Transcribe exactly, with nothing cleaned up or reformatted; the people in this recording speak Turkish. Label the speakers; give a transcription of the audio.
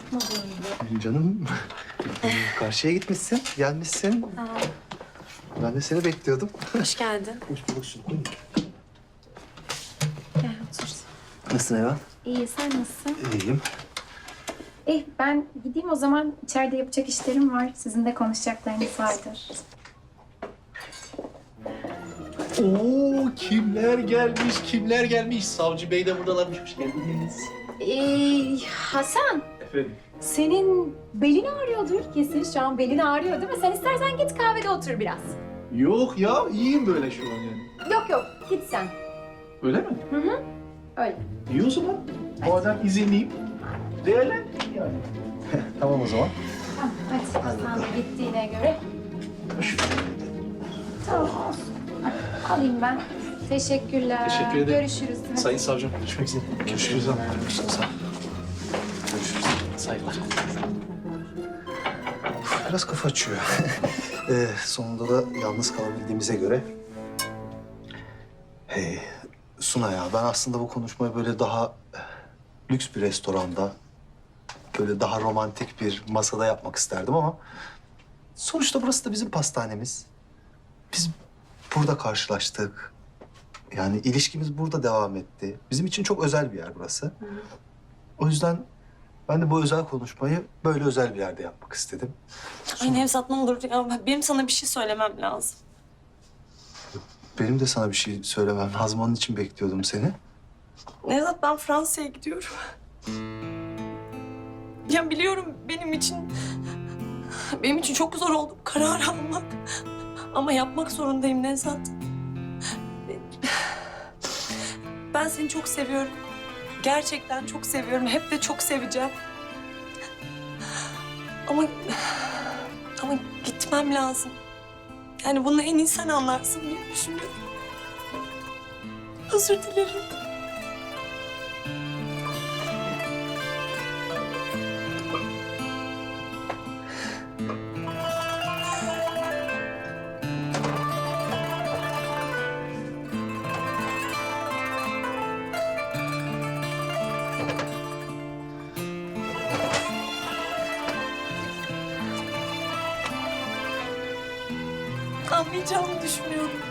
Speaker 1: çıkmadın gibi.
Speaker 2: Canım, karşıya gitmişsin, gelmişsin.
Speaker 1: Aa,
Speaker 2: Ben de seni bekliyordum.
Speaker 1: hoş geldin.
Speaker 2: Hoş bulduk şimdi.
Speaker 1: Gel otur.
Speaker 2: Nasılsın Eva?
Speaker 1: İyi, sen nasılsın?
Speaker 2: İyiyim.
Speaker 1: Eh, ben gideyim o zaman. İçeride yapacak işlerim var. Sizin de konuşacaklarınız vardır.
Speaker 3: Oo, kimler gelmiş, kimler gelmiş. Savcı Bey de buradalarmış. Hoş geldiniz.
Speaker 1: Ee, Hasan,
Speaker 3: Efendim?
Speaker 1: senin belin ağrıyordur kesin. Şu an belin ağrıyor değil mi? Sen istersen git kahvede otur biraz.
Speaker 3: Yok ya, iyiyim böyle şu an yani.
Speaker 1: Yok yok, git sen.
Speaker 3: Öyle mi?
Speaker 1: Hı hı, öyle.
Speaker 3: İyi o zaman. Bu adam izinliyim. Değerlendireyim yani.
Speaker 2: Tamam o zaman.
Speaker 1: Tamam, hadi Hasan da gittiğine göre. Tamam olsun. Hadi, alayım ben. Teşekkürler.
Speaker 3: Teşekkür ederim.
Speaker 1: Görüşürüz. Hadi.
Speaker 3: Sayın savcım, görüşmek üzere. Görüşürüz.
Speaker 2: Görüşürüz. Sağ ol. Görüşürüz.
Speaker 3: Saygılar.
Speaker 2: Biraz kafa açıyor. ee, sonunda da yalnız kalabildiğimize göre... Hey, Suna ya, ben aslında bu konuşmayı böyle daha eh, lüks bir restoranda... ...böyle daha romantik bir masada yapmak isterdim ama... ...sonuçta burası da bizim pastanemiz. Biz burada karşılaştık. Yani ilişkimiz burada devam etti. Bizim için çok özel bir yer burası. O yüzden ben de bu özel konuşmayı böyle özel bir yerde yapmak istedim.
Speaker 4: Ay Nevzat ne olur ya. Benim sana bir şey söylemem lazım.
Speaker 2: Benim de sana bir şey söylemem lazım. Onun için bekliyordum seni.
Speaker 4: Nevzat ben Fransa'ya gidiyorum. Ya biliyorum benim için... Benim için çok zor oldu bu kararı almak. Ama yapmak zorundayım Nevzat. Ben seni çok seviyorum. Gerçekten çok seviyorum. Hep de çok seveceğim. Ama... Ama gitmem lazım. Yani bunu en iyi sen anlarsın diye düşünüyorum. Özür dilerim. Anlayacağımı düşünüyorum.